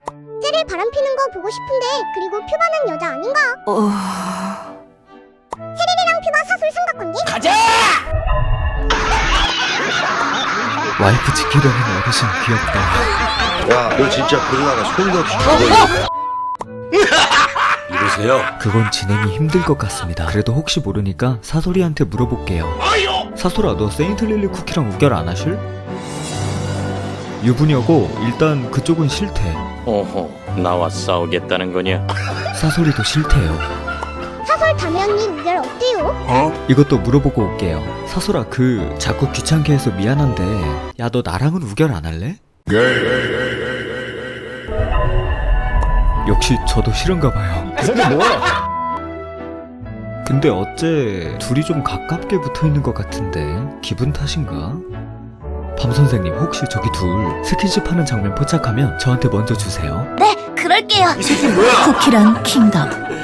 쟤를 바람피는 거 보고 싶은데 그리고 퓨바는 여자 아닌가? 세릴이랑 퓨바 사술 삼각관계? 가자! 와이프 지키려는 어르신 귀엽다. 야, 너 진짜 그러다가 소리도 없이 죽어. 이러세요. 그건 진행이 힘들 것 같습니다. 그래도 혹시 모르니까 사소리한테 물어볼게요. 사소라, 너 세인트릴리 쿠키랑 우결 안 하실? 유부녀고 일단 그쪽은 싫대. 어허, 나와 싸우겠다는 거냐? 사소리도 싫대요. 사설 담에 언니 우결 어때요? 이것도 물어보고 올게요. 사소라, 자꾸 귀찮게 해서 미안한데 야, 너 나랑은 우결 안 할래? 역시 저도 싫은가 봐요. 그 새끼 뭐야? 근데 어째 둘이 좀 가깝게 붙어있는 것 같은데 기분 탓인가? 밤선생님, 혹시 저기 둘 스킨십 하는 장면 포착하면 저한테 먼저 주세요. 네, 그럴게요. 이 새끼 뭐야? 쿠키랑 킹덤.